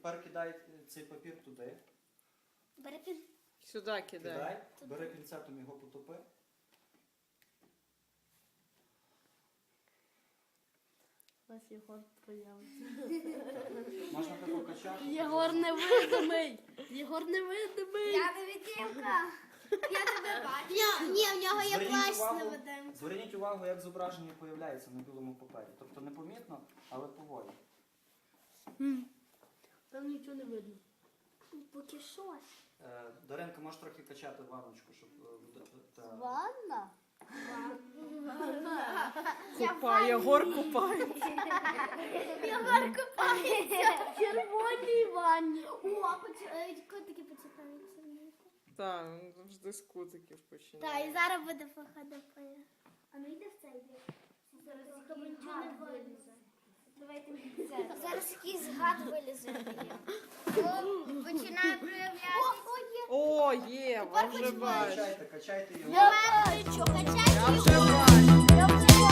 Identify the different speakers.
Speaker 1: Тепер кидай цей папір туди.
Speaker 2: Бери пін.
Speaker 3: Сюди кидай.
Speaker 1: Кидай, бери пінцетом його потопи.
Speaker 4: Ось Єгор проявиться.
Speaker 1: Можна тако качати.
Speaker 4: Єгор невидимий! Єгор невидимий!
Speaker 2: Я невидимка. Я тебе бачу. Ні, в нього є плащ невидимка.
Speaker 1: Зверніть увагу, як зображення появляється на білому папері. Тобто непомітно, але поволі.
Speaker 4: Там нічого не видно.
Speaker 2: Поки що.
Speaker 1: Даренко, можеш трохи качати ванночку, щоб...
Speaker 2: Ванна?
Speaker 3: Купай, Єгор купається.
Speaker 2: Єгор купається.
Speaker 4: В червоній ванні.
Speaker 2: О, котики почитаються.
Speaker 3: Так, він завжди з кутиків
Speaker 2: Так,
Speaker 3: починає.
Speaker 2: і зараз буде ФХДП. А ну йди в цей бік. Зараз нічого не вилізе. Давайте зараз якийсь гад вилізе. Починає проявлятися.
Speaker 3: О, є, вже бачу.
Speaker 1: Качайте його.
Speaker 2: Я бачу, качайте
Speaker 3: Я вже
Speaker 2: його.
Speaker 3: бачу.
Speaker 2: Я вже